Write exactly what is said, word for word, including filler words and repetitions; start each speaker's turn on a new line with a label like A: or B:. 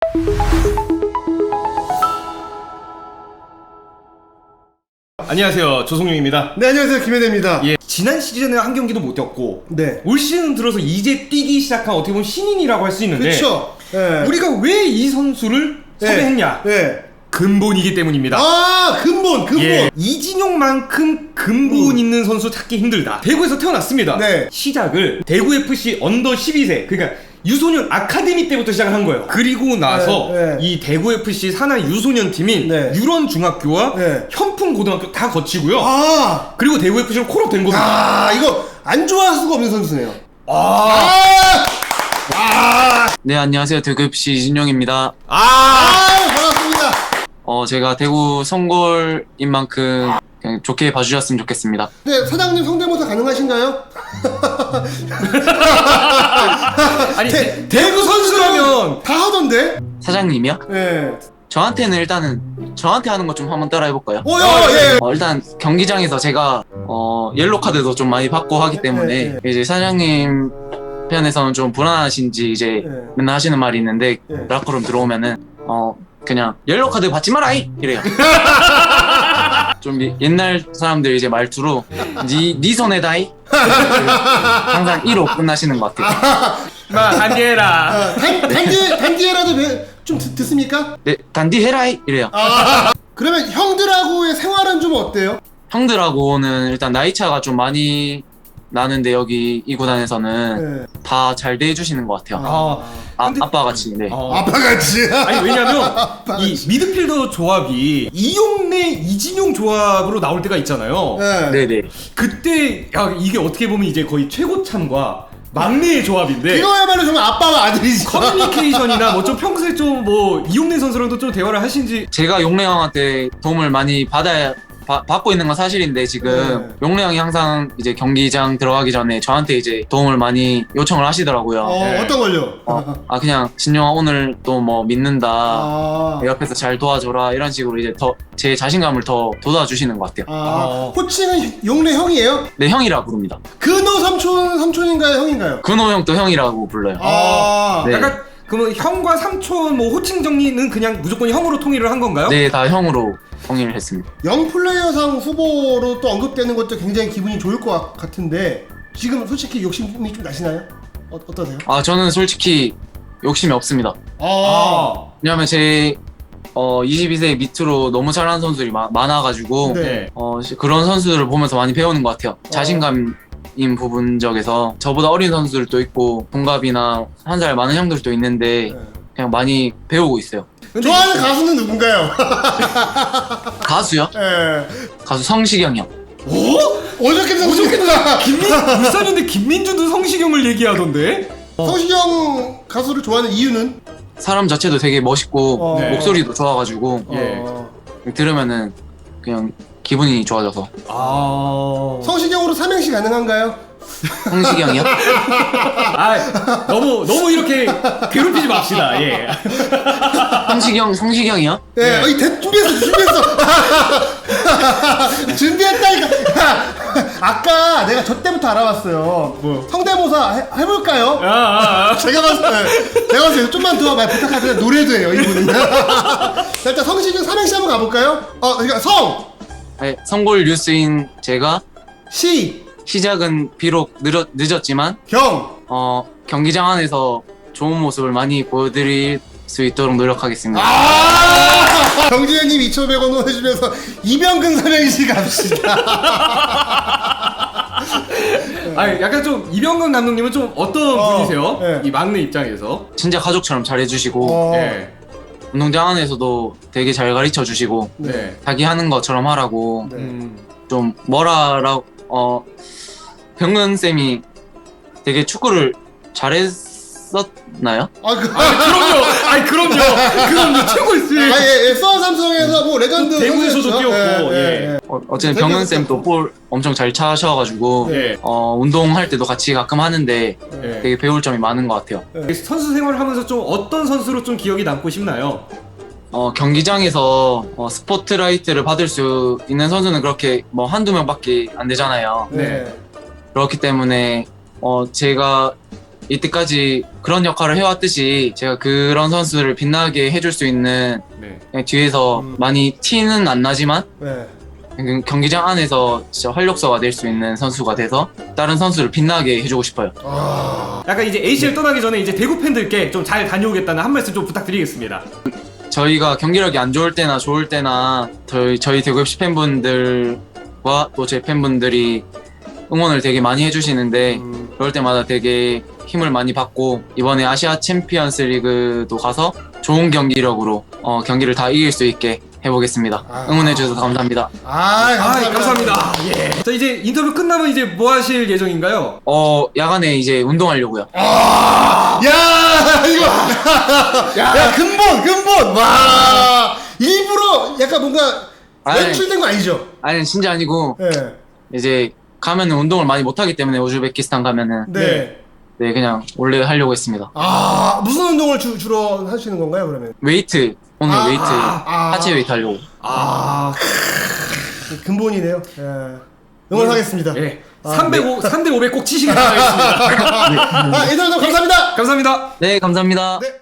A: 안녕하세요, 조성용입니다.
B: 네, 안녕하세요, 김혜대입니다.
A: 예, 지난 시즌에 한 경기도 못 뛰었고,
B: 네,
A: 올 시즌 들어서 이제 뛰기 시작한 어떻게 보면 신인이라고 할 수 있는데,
B: 그렇죠. 네.
A: 우리가 왜 이 선수를
B: 네.
A: 섭외했냐?
B: 네.
A: 근본이기 때문입니다.
B: 아, 근본, 근본.
A: 예, 이진용만큼 근본
B: 음.
A: 있는 선수 찾기 힘들다. 대구에서 태어났습니다.
B: 네.
A: 시작을 대구에프씨 언더 십이 세, 그러니까 유소년 아카데미 때부터 시작을 한 거예요. 그리고 나서
B: 네, 네.
A: 이 대구에프씨 산하 유소년 팀인
B: 네.
A: 유런중학교와
B: 네.
A: 현풍고등학교 다 거치고요.
B: 아,
A: 그리고 대구에프씨로 콜업 된 겁니다.
B: 아, 이거 안 좋아할 수가 없는 선수네요.
A: 아,
B: 아, 아,
C: 네, 안녕하세요. 대구에프씨 이진용입니다.
A: 아,
B: 아, 반갑습니다.
C: 어, 제가 대구 성골인 만큼 그냥 좋게 봐주셨으면 좋겠습니다.
B: 네, 사장님 성대모사 가능하신가요?
A: 아니
B: 대-
A: 대구 선수라면
B: 다 하던데?
C: 사장님이요?
B: 네.
C: 저한테는 일단은 저한테 하는 거 좀 한번 따라해볼까요?
B: 오, 야, 예.
C: 어, 일단 경기장에서 제가 어, 옐로 카드도 좀 많이 받고 하기 때문에
B: 네,
C: 이제 사장님 편에서는 좀 불안하신지 이제
B: 네.
C: 맨날 하시는 말이 있는데
B: 네.
C: 라커룸 들어오면은 어 그냥 옐로 카드 받지 마라이 이래요. 좀 이- 옛날 사람들 이제 말투로 니, 니 손에 다이 항상 이로 끝나시는 것 같아요.
A: 마 단계라.
B: 아, 단, 단디, 단디에라도 배- 좀 듣, 듣습니까?
C: 네, 단디 해라이 이래요.
B: 아, 그러면 형들하고의 생활은 좀 어때요?
C: 형들하고는 일단 나이 차가 좀 많이 나는데 여기 이 구단에서는
B: 네.
C: 다 잘 대해주시는 것 같아요.
A: 아,
C: 아,
A: 근데-
C: 아빠 같이. 네.
A: 어.
B: 아빠같이.
A: 아니 왜냐면 이
B: 아빠같이.
A: 미드필더 조합이 이용래 이진용 조합으로 나올 때가 있잖아요.
B: 네.
C: 네네.
A: 그때 야 이게 어떻게 보면 이제 거의 최고참과 막내의 조합인데
B: 이거야말로 정말 아빠와 아들이지.
A: 커뮤니케이션이나 뭐 좀 평소에 좀 뭐 이용래 선수랑도 좀 대화를 하신지.
C: 제가 용래 형한테 도움을 많이 받아야 바- 받고 있는 건 사실인데 지금
B: 네.
C: 용래 형이 항상 이제 경기장 들어가기 전에 저한테 이제 도움을 많이 요청을 하시더라고요.
B: 어,
A: 네.
B: 어떤 걸요?
C: 어, 아 그냥 진영아 오늘 또 뭐 믿는다.
B: 아,
C: 옆에서 잘 도와줘라 이런 식으로 이제 더 제 자신감을 더 돋아주시는 것 같아요.
B: 아,
A: 어.
B: 호칭은 용래 형이에요?
C: 네, 형이라 부릅니다.
B: 근호 삼촌 삼촌인가요, 형인가요?
C: 근호 형도 형이라고 불러요.
B: 아,
C: 네.
A: 약간 그러면 형과 삼촌 뭐 호칭 정리는 그냥 무조건 형으로 통일을 한 건가요?
C: 네, 다 형으로 통일을 했습니다.
B: 영플레이어상 후보로 또 언급되는 것도 굉장히 기분이 좋을 것 같- 같은데 지금 솔직히 욕심이 좀 나시나요? 어, 어떠세요?
C: 아 저는 솔직히 욕심이 없습니다.
B: 아,
A: 아,
C: 왜냐면 제 어, 이십이 세 밑으로 너무 잘하는 선수들이 마- 많아가지고
B: 네.
A: 네.
C: 어, 시- 그런 선수들을 보면서 많이 배우는 것 같아요. 자신감인 부분적에서 저보다 어린 선수들도 있고 동갑이나 한 살 많은 형들도 있는데
B: 네.
C: 그냥 많이 배우고 있어요.
A: 근데
B: 좋아하는 가수는 누군가요?
C: 가수요?
B: 예.
C: 가수 성시경 형.
A: 오?
B: 어저께 성시경
A: 김민 울산인데 김민준도 성시경을 얘기하던데.
B: 성시경 가수를 좋아하는 이유는?
C: 사람 자체도 되게 멋있고
B: 어.
A: 네.
C: 목소리도 좋아가지고
A: 예.
B: 어,
C: 들으면은 그냥 기분이 좋아져서.
A: 아.
B: 성시경으로 삼행시 가능한가요?
C: 성시경이요?
A: 아 너무 너무 이렇게 괴롭히지 맙시다. 예.
C: 성시경 성시경이요?
B: 예,
A: 네.
B: 어, 이 대, 준비했어, 준비했어. 준비했다니까. 아까 내가 저 때부터 알아봤어요.
A: 뭐?
B: 성대모사 해, 해볼까요?
A: 아, 아, 아.
B: 제가 봤을 때, 제가 봤을 때 좀만 더 말 부탁하세요. 노래도 해요, 이분은. 자, 일단 성시경 삼행시 한번 가볼까요? 어, 그러니까 성,
C: 네, 성골 뉴스인 제가
B: 시,
C: 시작은 비록 늦었, 늦었지만
B: 경.
C: 어, 경기장 안에서 좋은 모습을 많이 보여드릴 수 있도록 노력하겠습니다.
B: 아! 경진현님 이천오백 원 후원해주면서 이병근 삼행시 갑시다.
A: 아 약간 좀 이병건 감독님은 좀 어떤
B: 어,
A: 분이세요?
B: 네.
A: 이 막내 입장에서.
C: 진짜 가족처럼 잘해주시고
B: 어,
A: 예.
C: 운동장 안에서도 되게 잘 가르쳐주시고
A: 네.
C: 자기 하는 것처럼 하라고
B: 네.
A: 음.
C: 좀 뭐라라고 어 병근 쌤이 되게 축구를 잘했었나요?
B: 아, 그,
A: 아 그럼요. 아니 그럼요. 그럼요. 최고였지.
B: 아, 예, 예, 수원 삼성에서 뭐 레전드
A: 대구에서도
B: 선수였죠.
A: 뛰었고, 예.
B: 예.
C: 어, 어쨌든 병근 쌤도 볼 엄청 잘 차셔가지고
A: 예.
C: 어 운동할 때도 같이 가끔 하는데
A: 예.
C: 되게 배울 점이 많은 것 같아요.
A: 선수 생활을 하면서 좀 어떤 선수로 좀 기억이 남고 싶나요?
C: 어, 경기장에서 어, 스포트라이트를 받을 수 있는 선수는 그렇게 뭐 한두 명밖에 안 되잖아요.
B: 네.
A: 네.
C: 그렇기 때문에 어, 제가 이때까지 그런 역할을 해왔듯이 제가 그런 선수를 빛나게 해줄 수 있는
A: 네.
C: 그냥 뒤에서
B: 음.
C: 많이 티는 안 나지만
B: 네.
C: 그 경기장 안에서 진짜 활력소가 될 수 있는 선수가 돼서 다른 선수를 빛나게 해주고 싶어요.
B: 아,
A: 약간 이제 에이씨엘 떠나기 전에 이제 대구 팬들께 좀 잘 다녀오겠다는 한 말씀 좀 부탁드리겠습니다.
C: 저희가 경기력이 안 좋을 때나 좋을 때나 저희, 저희 대구에프씨 팬분들과 또 제 팬분들이 응원을 되게 많이 해주시는데
B: 음.
C: 그럴 때마다 되게 힘을 많이 받고 이번에 아시아 챔피언스 리그도 가서 좋은 경기력으로 어, 경기를 다 이길 수 있게 해보겠습니다.
B: 아.
C: 응원해주셔서 감사합니다.
B: 아,
A: 아,
B: 감사합니다.
A: 감사합니다. 예. 자, 이제 인터뷰 끝나면 이제 뭐 하실 예정인가요?
C: 어, 야간에 이제 운동하려고요.
B: 야, 이거. 야, 근본, 근본. 와. 일부러 약간 뭔가
C: 아니.
B: 연출된 거 아니죠?
C: 아니 진짜 아니고
B: 네.
C: 이제 가면은 운동을 많이 못하기 때문에 우즈베키스탄 가면은
B: 네.
C: 네 그냥 원래 하려고 했습니다.
B: 아, 무슨 운동을 주, 주로 하시는 건가요, 그러면?
C: 웨이트 오늘
B: 아,
C: 웨이트
B: 아.
C: 하체 웨이트 하려고.
A: 아,
B: 근본이네요. 예. 응원하겠습니다.
A: 예.
B: 아,
A: 삼백오, 삼 대 오백 꼭 치시길 바라겠습니다.
B: 아, 인터뷰 감사합니다.
A: 감사합니다.
C: 네 감사합니다.
B: 네.